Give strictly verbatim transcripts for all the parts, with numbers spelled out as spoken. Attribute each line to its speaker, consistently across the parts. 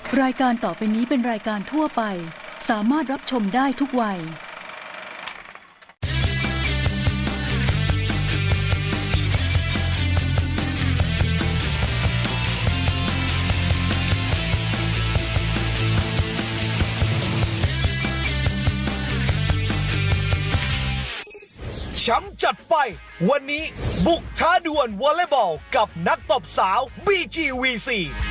Speaker 1: รายการต่อไปนี้เป็นรายการทั่วไปสามารถรับชมได้ทุกวัย
Speaker 2: แชมป์จัดไปวันนี้บุกท้าดวลวอลเลย์บอลกับนักตบสาว บี จี วี ซี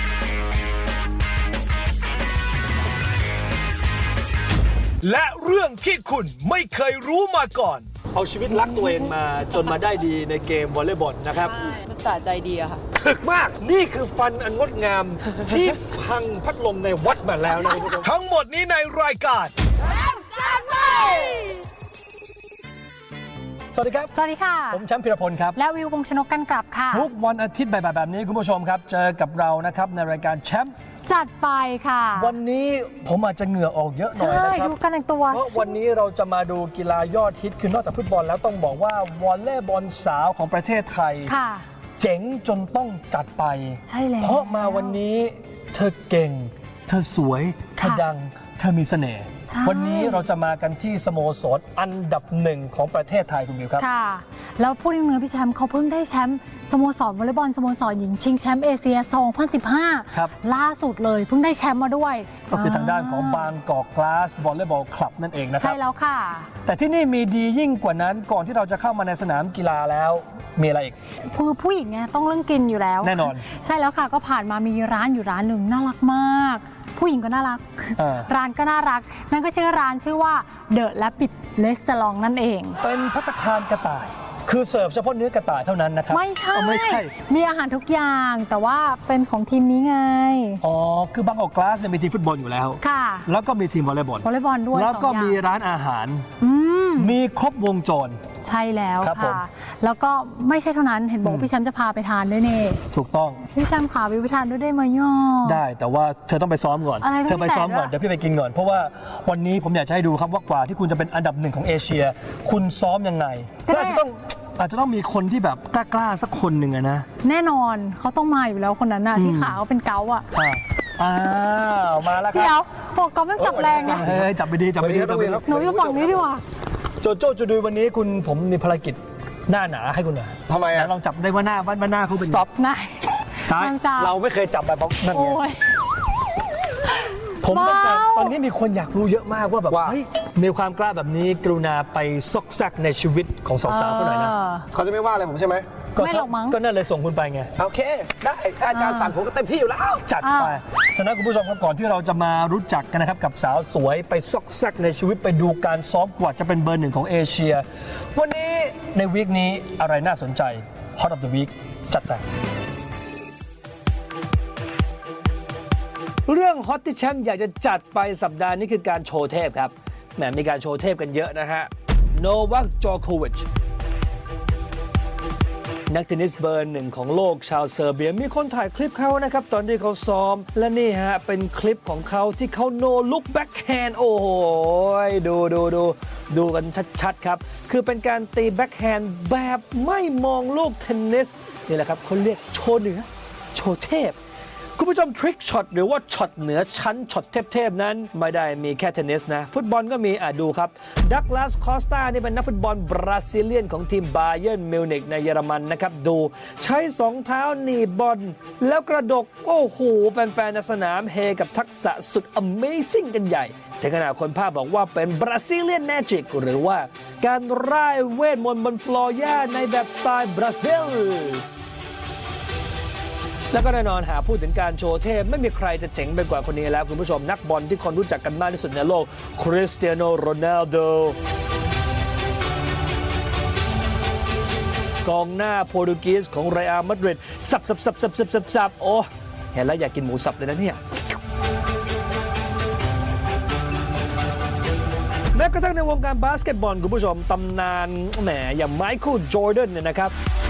Speaker 2: และเรื่องที่คุณไม่เคยรู้มาก่อน
Speaker 3: เอาชีวิตรักตัวเองมาจนมาได้ดีในเกมวอลเลย์บอลนะครับ
Speaker 4: มันสะใจดีอะค่ะ
Speaker 3: ถึกมากนี่คือฟันอันงดงาม ที่พังพัดลมในวัดมาแล้วนะคุณผู้ชม
Speaker 2: ทั้งหมดนี้ในรายการ
Speaker 3: สวัสดีครับ
Speaker 5: สวัสดีค่ะ
Speaker 3: ผมแชมป์พีรพลครับ
Speaker 5: และวิววงศ์ชนกกันกลับค่ะ
Speaker 3: ทุกวันอาทิตย์บ่ายๆแบบนี้คุณผู้ชมครับ เจอกับเรานะครับในรายการแชมป์
Speaker 5: จัดไปค่ะ
Speaker 3: วันนี้ผมอาจจะเหงื่อออกเยอะหน่อย
Speaker 5: ใช่
Speaker 3: นะครับ
Speaker 5: ดูการแต่งตัว
Speaker 3: เพราะวันนี้เราจะมาดูกีฬายอดฮิตคือนอกจากฟุตบอลแล้วต้องบอกว่าวอลเลย์บอลสาวของประเทศไทย
Speaker 5: ค่ะ
Speaker 3: เจ๋งจนต้องจัดไป
Speaker 5: ใช่แล้ว
Speaker 3: เพราะมาวันนี้เธอเก่ง เธอสวย เธอ
Speaker 5: ค่ะ
Speaker 3: ดัง เธอมีเสน่ห์
Speaker 5: ใช่
Speaker 3: วันนี้เราจะมากันที่สโมสรอันดับหนึ่งของประเทศไทยคุณบิวครับ
Speaker 5: ค่ะ แล้วพูดถึงเนื้อพี่แชมป์เขาเพิ่งได้แชมป์สโมสรวอลเลย์บอลสโมสรหญิงชิงแชมป์เอเชีย สองพันสิบห้า
Speaker 3: ครับ
Speaker 5: ล่าสุดเลยเพิ่งได้แชมป์มาด้วย
Speaker 3: ก็คือทางด้านของบางกอกกลาสวอลเลย์บอลคลับนั่นเองนะค
Speaker 5: ใช่
Speaker 3: รับ
Speaker 5: แล้วค่ะ
Speaker 3: แต่ที่นี่มีดียิ่งกว่านั้นก่อนที่เราจะเข้ามาในสนามกีฬาแล้วมีอะไรอีก
Speaker 5: คือผู้หญิงไงต้องเรื่องกินอยู่แล้ว
Speaker 3: แน่นอน
Speaker 5: ใช่แล้วค่ะก็ผ่านมามีร้านอยู่ร้านหนึ่งน่ารักมาก ผู้หญิงก็น่ารัก
Speaker 3: เออ
Speaker 5: ร้านก็น่ารัก นั่นก็ชื่อร้านชื่อว่าเดอะและปิดเลสเตอรองนั่นเอง
Speaker 3: เป็นภัตตาคารกระต่าย คือเสิร์ฟเฉพาะเนื้อกระต่ายเท่านั้นนะครับ
Speaker 5: ไม่ใช่
Speaker 3: อ๋อไม่ใช่
Speaker 5: มีอาหารทุกอย่างแต่ว่าเป็นของทีมนี้ไง
Speaker 3: อ๋อคือบางกอกกลาสเนี่ยมีทีมฟุตบอลอยู่แล้ว
Speaker 5: ค่ะ
Speaker 3: แล้วก็มีทีมวอลเลย์บอล
Speaker 5: วอลเลย์บอลด้วย
Speaker 3: แล้วก็
Speaker 5: สองอย่าง
Speaker 3: มีร้านอาหาร
Speaker 5: อืม
Speaker 3: มีครบวงจร
Speaker 5: ใช่แล้ว
Speaker 3: ครับผม
Speaker 5: ค่ะ แล้วก็ไม่ใช่เท่านั้นเห็นบอกว่าพี่แชมป์จะพาไปทานด้วยเน่
Speaker 3: ถูกต้อง
Speaker 5: พี่แชมป์ขาวิวไปทานด้วยได้ไหมย่อ
Speaker 3: ได้แต่ว่าเธอต้องไปซ้อมก่อน
Speaker 5: อะไรต้อง
Speaker 3: เธอไปซ้อมก่อน
Speaker 5: แตะด้วย
Speaker 3: เดี๋ยวพี่ไปกินก่อน เพราะว่าวันนี้ผมอยากจะให้ดูครับว่ากว่าที่คุณจะเป็นอันดับหนึ่งของเอเชีย คุณซ้อมยังไงก็อาจจะต้องอาจจะต้องมีคนที่แบบกล้าๆสักคนหนึ่งอะนะ
Speaker 5: แน่นอนเขาต้องมาอยู่แล้วคนนั้นน่ะ
Speaker 3: อืม
Speaker 5: ที่ขาเขาเป็นเกาต์อ่ะ
Speaker 3: อ่าอ้าวมาแล้วค
Speaker 5: เดี๋ย
Speaker 3: รั
Speaker 5: ว
Speaker 3: บ
Speaker 5: บอกเกาต์มันจับแรงนะ
Speaker 3: เฮ้ยจับไปดีจับไปดีจับไปดี
Speaker 5: หนูอยู่ฝั่งนี้ดีกว่า
Speaker 3: โจโจ้จูดุยวันนี้คุณผมมีภารกิจหน้าหนาให้คุณหน่อย
Speaker 2: ทำไม
Speaker 3: ไหน
Speaker 2: อ่ะ
Speaker 3: ลองจับได้ว่าหน้าว่าหน้าเขาเป็น
Speaker 2: Stop
Speaker 5: นาย
Speaker 3: ซ้าย
Speaker 5: ทางจับ
Speaker 2: เราไม่เคยจับแบบนั่นไง
Speaker 5: โอ้ย
Speaker 3: ผมต้องการ
Speaker 5: ว้าว
Speaker 3: ตอนนี้มีคนอยากรู้เยอะมากว่าแบบ
Speaker 2: ว่า
Speaker 3: เฮ้ยมีความกล้าแบบนี้กรุณาไปซอกแซกในชีวิตของสาวๆเขาหน่อยนะ
Speaker 5: เออ
Speaker 2: เขาจะไม่ว่าอะไรผมใช่ไหม
Speaker 5: ไม่หรอกมั้ง
Speaker 3: ก็นั่นเลยส่งคุณไปไง
Speaker 2: โอเค ได้ถ้าอาจารย์สั่งผมก็เต็มที่อยู่แล้ว
Speaker 3: จัดไป ฉะนั้นคุณผู้ชมครับก่อนที่เราจะมารู้จักกันนะครับกับสาวสวยไปซอกแซกในชีวิตไปดูการซ้อมกว่าจะเป็นเบอร์หนึ่งของเอเชีย วันนี้ในวีคนี้อะไรน่าสนใจ Hot of the Week จัดไปเรื่องฮอตที่แชมป์อยากจะจัดไปสัปดาห์นี้คือการโชว์เทพครับแหมมีการโชว์เทพกันเยอะนะฮะโนวัค จอโควิชนักเทนนิสเบอร์หนึ่งของโลกชาวเซอร์เบียมีคนถ่ายคลิปเขานะครับตอนที่เขาซ้อมและนี่ฮะเป็นคลิปของเขาที่เขาโนลุกแบ็คแฮนด์โอ้โหดูดูดูดูกันชัดๆครับคือเป็นการตีแบ็คแฮนด์แบบไม่มองลูกเทนนิสนี่แหละครับเขาเรียกโชว์เหนือโชว์เทพ คุณผู้ชมทริคช็อตหรือว่าช็อตเหนือชั้นช็อตเทพๆนั้นไม่ได้มีแค่เทนนิสนะฟุตบอลก็มีอ่ะดูครับดักลาสคอสตานี่เป็นนักฟุตบอลบราซิเลียนของทีมบาเยิร์นมิวนิกในเยอรมันนะครับดูใช้สองเท้าหนีบบอลแล้วกระดกโอ้โหแฟนๆในสนามเฮกับทักษะสุด Amazing กันใหญ่ถึงขนาดคนภาพบอกว่าเป็นบราซิเลียนแมจิกหรือว่าการร่ายเวทมนต์บนฟลอร์หญ้าในแบบสไตล์บราซิลแล้วก็แน่นอนหาพูดถึงการโชว์เทพไม่มีใครจะเจ๋งไปกว่าคนนี้แล้วคุณผู้ชมนักบอลที่คนรู้จักกันมากที่สุดในโลกคริสเตียโนโรนัลโดกองหน้าโปรตุเกสของเรอัลมาดริดสับสับสับสับสับสับสับโอ้เห็นแล้วอยากกินหมูสับเลยนะเนี่ยแม้กระทั่งในวงการบาสเกตบอลคุณผู้ชมตำนานแหมอย่างไมเคิลจอร์แดนเนี่ยนะครับ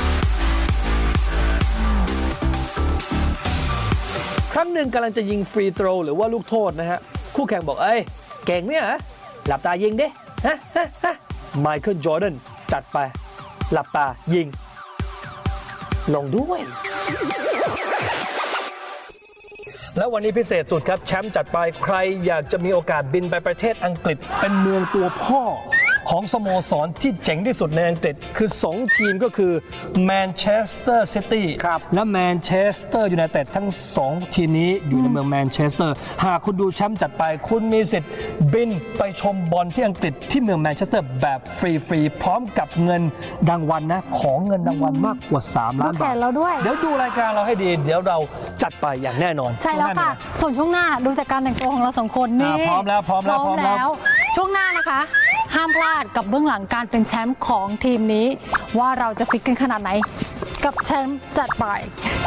Speaker 3: ครั้งหนึ่งกำลังจะยิงฟรีโทรหรือว่าลูกโทษนะฮะคู่แข่งบอกเอ้ยเก่งเนี่ยฮะหลับตายิงดิฮะฮะฮะไมเคิลจอร์แดนจัดไปหลับตายิงลงด้วยแล้ววันนี้พิเศษสุดครับแชมป์จัดไปใครอยากจะมีโอกาสบินไปประเทศอังกฤษเป็นเมืองตัวพ่อของสโมสรที่เจ๋งที่สุดในอังกฤษคือสองทีมก็คือแมนเชสเตอร์ซิตี้และแมนเชสเตอร์ยูไนเต็ดทั้งสองทีมนี้อยู่ในเมืองแมนเชสเตอร์หากคุณดูแชมป์จัดไปคุณมีสิทธิ์บินไปชมบอลที่อังกฤษที่เมืองแมนเชสเตอร์แบบฟรีๆพร้อมกับเงินรางวัลนะของเงินรางวัลมากกว่าสามล้าน
Speaker 5: แข
Speaker 3: บาท
Speaker 5: นเราด้วย
Speaker 3: เดี๋ยวดูรายการเราให้ดีเดี๋ยวเราจัดไปอย่างแน่นอน
Speaker 5: ใช่แล้วค่ะ ส่วนช่วงหน้าดูจากการแต่งตัวของเราสองคนนี่
Speaker 3: อ่าพร้อมแล้วพร้อมแล้ว
Speaker 5: พร้อม
Speaker 3: พร้อมแล้
Speaker 5: แล้ว ว ช่วงหน้านะคะ ห้ามพลาดกับเบื้องหลังการเป็นแชมป์ของทีมนี้ ว่าเราจะฟิตกันขนาดไหนกับแชมป์จัดไป